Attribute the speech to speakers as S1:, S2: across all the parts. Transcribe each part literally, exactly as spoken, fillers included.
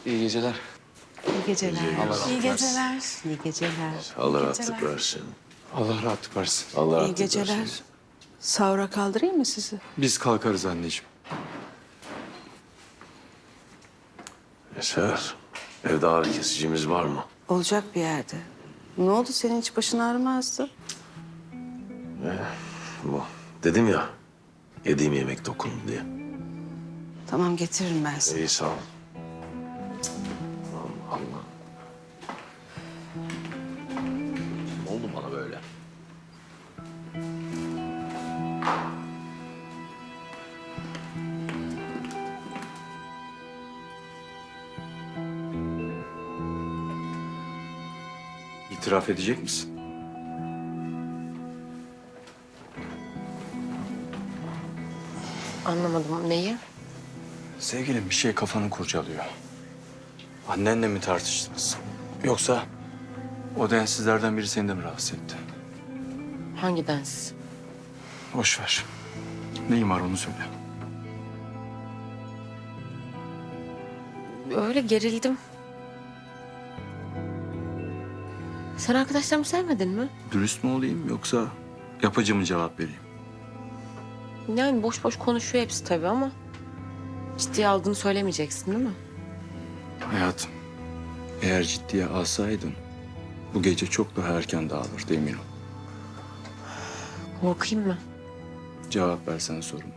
S1: İyi geceler.
S2: İyi geceler.
S1: Allah
S2: İyi
S1: razı
S2: geceler. İyi geceler.
S3: Allah
S2: İyi
S3: rahatlık
S2: geceler.
S3: versin.
S1: Allah rahatlık versin.
S3: Allah
S2: İyi
S3: rahatlık
S2: geceler.
S3: versin.
S2: Sahura kaldırayım mı sizi?
S1: Biz kalkarız anneciğim.
S3: Eser, evde ağrı kesicimiz var mı?
S2: Olacak bir yerde. Ne oldu, senin hiç başın ağrımazdı?
S3: Bu. Dedim ya, yediğim yemek dokundu diye.
S2: Tamam, getiririm ben sana.
S3: İyi sağ ol. Allah Allah. Ne oldu bana böyle?
S1: İtiraf edecek misin?
S4: Anlamadım neyi?
S1: Sevgilim bir şey kafanı kurcalıyor. Annenle mi tartıştınız? Yoksa o densizlerden biri seni de mi rahatsız etti?
S4: Hangi densiz?
S1: Boş ver. Neyin var onu söyle.
S4: Öyle gerildim. Sen arkadaşlarımı sevmedin mi?
S1: Dürüst mü olayım yoksa yapıcı mı cevap vereyim?
S4: Yani boş boş konuşuyor hepsi tabii ama... ciddiye aldığını söylemeyeceksin değil mi?
S1: Hayatım, eğer ciddiye alsaydın bu gece çok daha erken dağılırdı emin ol.
S4: Korkayım mı?
S1: Cevap versene soruma.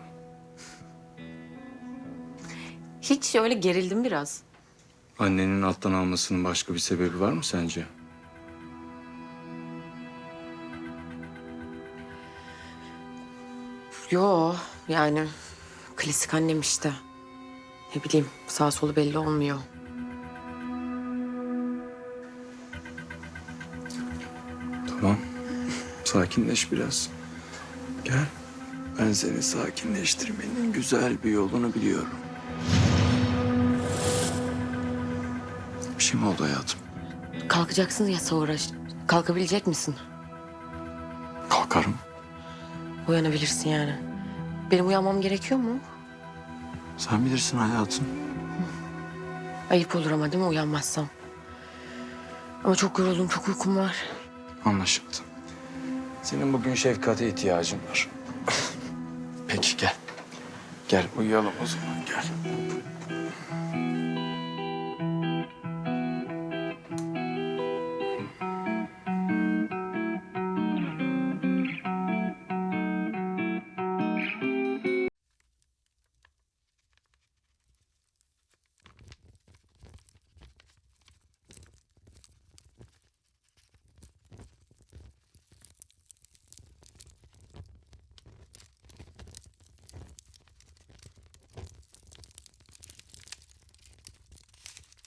S4: Hiç öyle gerildim biraz.
S1: Annenin alttan almasının başka bir sebebi var mı sence?
S4: Yo yani klasik annem işte. Ne bileyim sağ solu belli olmuyor.
S1: Tamam. Sakinleş biraz. Gel. Ben seni sakinleştirmenin güzel bir yolunu biliyorum. Bir şey mi oldu hayatım?
S4: Kalkacaksın ya sahura. Kalkabilecek misin?
S1: Kalkarım.
S4: Uyanabilirsin yani. Benim uyanmam gerekiyor mu?
S1: Sen bilirsin hayatım.
S4: Ayıp olur ama değil mi uyanmazsam? Ama çok yoruldum, çok uykum var.
S1: Anlaşıldı. Senin bugün şefkate ihtiyacın var. Peki gel. Gel uyuyalım o zaman gel.